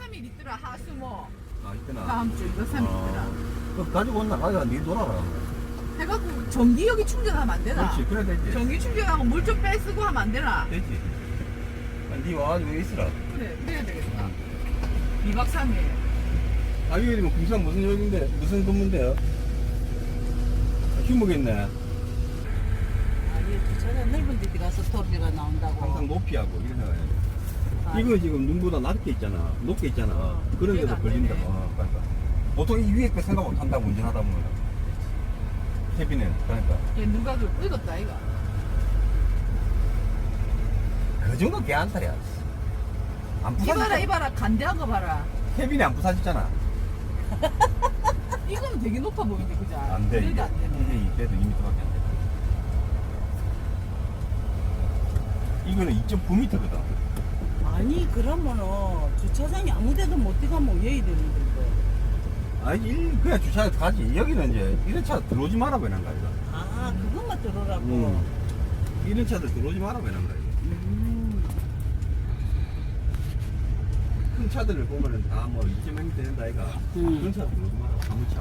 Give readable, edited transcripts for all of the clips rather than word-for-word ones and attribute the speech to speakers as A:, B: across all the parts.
A: 3일 있더라 하수모.
B: 아 있구나.
A: 다음 주 2, 3일 있더라.
B: 그 가지고 온나 가져가 니 놀아라.
A: 해갖고 전기력이 충전하면 안 되나?
B: 그렇지 그래 되지.
A: 전기 충전하고 물 좀 빼쓰고 하면 안 되나?
B: 되지. 니 와가지고 있으라.
A: 그래 그래야 되겠다. 2박 3일.
B: 아 이게 뭐 군산 무슨 여기인데 무슨 근무인데요? 휴무겠네.
C: 아니 주차장 넓은 데 가서 소리가 나온다고.
B: 항상 높이하고 이런 생각해.
C: 아,
B: 이거 지금 눈보다 낮게 있잖아. 높게 있잖아. 그런 데서
A: 안
B: 걸린다.
A: 되네.
B: 그러니까. 보통 이 위에 거 생각 못 한다고 운전하다 보면. 캐비는 그러니까.
A: 얘 누가 그 읽었다 이거.
B: 그 정도 개안탈이야. 안
A: 이봐라
B: 부사졌잖아.
A: 이봐라 간대한 거 봐라.
B: 캐빈이 안 부사졌잖아.
A: 이거는 되게 높아 보이는데 그죠?
B: 안 돼.
A: 그래도 안 되네.
B: 이게 그래도 2m밖에 안 돼. 이거는 2.9m거든.
C: 아니 그러면은 주차장이 아무데도 못 들어가면 왜 되는데 이거.
B: 아니 그냥 주차장 가지. 여기는 이제 이런 차 들어오지 말아 보이는 거야 이거.
C: 아 그것만 들어라고.
B: 이런 차들 들어오지 말아 보이는 거야 이거. 큰 차들을 보면은 다 뭐 2.0m 된다 아이가. 그런 차 들어오지 마라. 아무 차.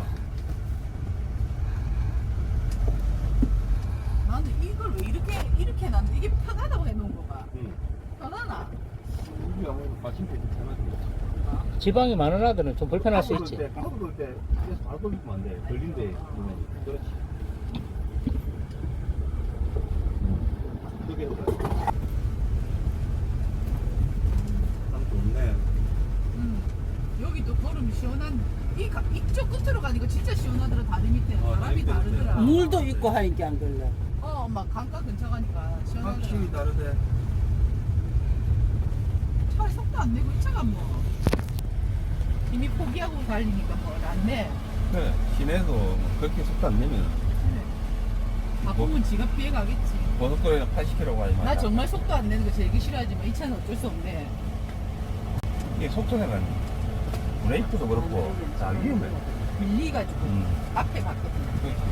A: 나는 이걸 왜 이렇게 해놨는데 이게 편하다고 해놓은 거봐.
B: 응.
A: 편하나?
B: 우리 아무래도 받침대 괜찮아.
D: 지방이 많은 아들은 좀 불편할 수 있지.
B: 바로 돌때 그래서 바로 돌리면 안 돼. 걸린대. 그렇지. 그게 참 좋네.
A: 여기도 걸음이 시원한 이쪽 끝으로 가니까 진짜 시원하더라. 다리 밑에 바람이
B: 다리 밑에
A: 다르더라.
C: 물도 있고 하니까 안 걸려.
A: 막 강가 근처 가니까 시원하더라.
B: 확실히 다르대.
A: 차 속도 안 내고 이 차가 뭐 이미 포기하고 달리니까 뭐 낫네.
B: 그래. 시내도 뭐 그렇게 속도 안 내면
A: 바쁘면 지가 피해 가겠지.
B: 고속도로에 80km 가지 마.
A: 나 정말 속도 안 내는 거 제일 싫어하지만 이 차는 어쩔 수 없네.
B: 이게 속도내가 브레이크도 그렇고 다 위험해.
A: 밀리가지고 앞에 갔거든.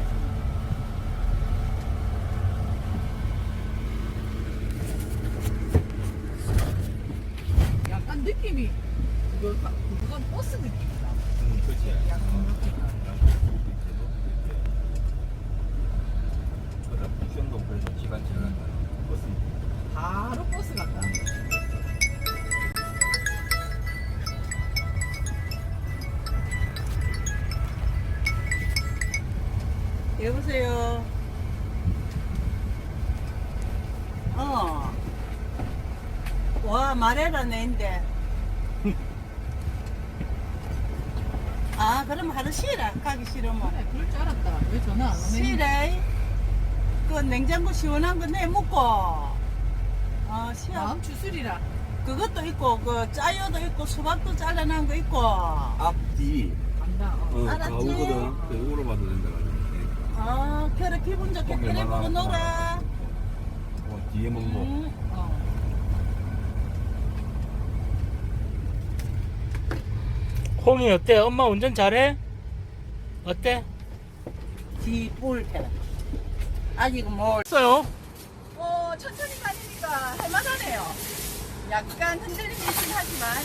A: 약간 느낌이 그건 버스 느낌이다.
B: 그렇지.
A: 약간 느낌이.
B: 부천도 그래서 시간 지나간다. 버스.
A: 바로 버스 같다.
C: 여보세요. 와 말해라 내인데. 아 그럼 하루 쉬라. 가기 싫으면.
A: 그래, 그럴 줄 알았다. 왜 전화 안 오네?
C: 쉬래. 그 냉장고 시원한 거 내 먹고. 쉬어.
A: 다음 주술이라.
C: 그것도 있고 그 짜요도 있고 수박도 잘라난 거 있고.
B: 앞뒤.
A: 간다.
C: 알았지?
B: 가오거든. 그거로 봐도 된다.
C: 그래 기분 좋게
B: 거기
C: 그래 보고
B: 많아.
C: 놀아.
B: 뒤에 먹고.
D: 홍이 어때? 엄마 운전 잘해? 어때?
C: 뒤볼 테라. 아직 뭘.
D: 했어요?
A: 천천히 가니까 할만하네요. 약간 흔들림이 있긴 하지만.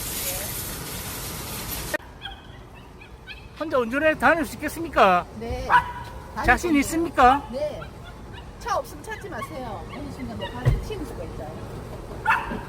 D: 혼자 운전해 다닐 수 있겠습니까?
A: 네.
D: 자신 있습니까?
A: 네. 차 없으면 찾지 마세요. 어느 순간 내 발에 치일 수가 있어요.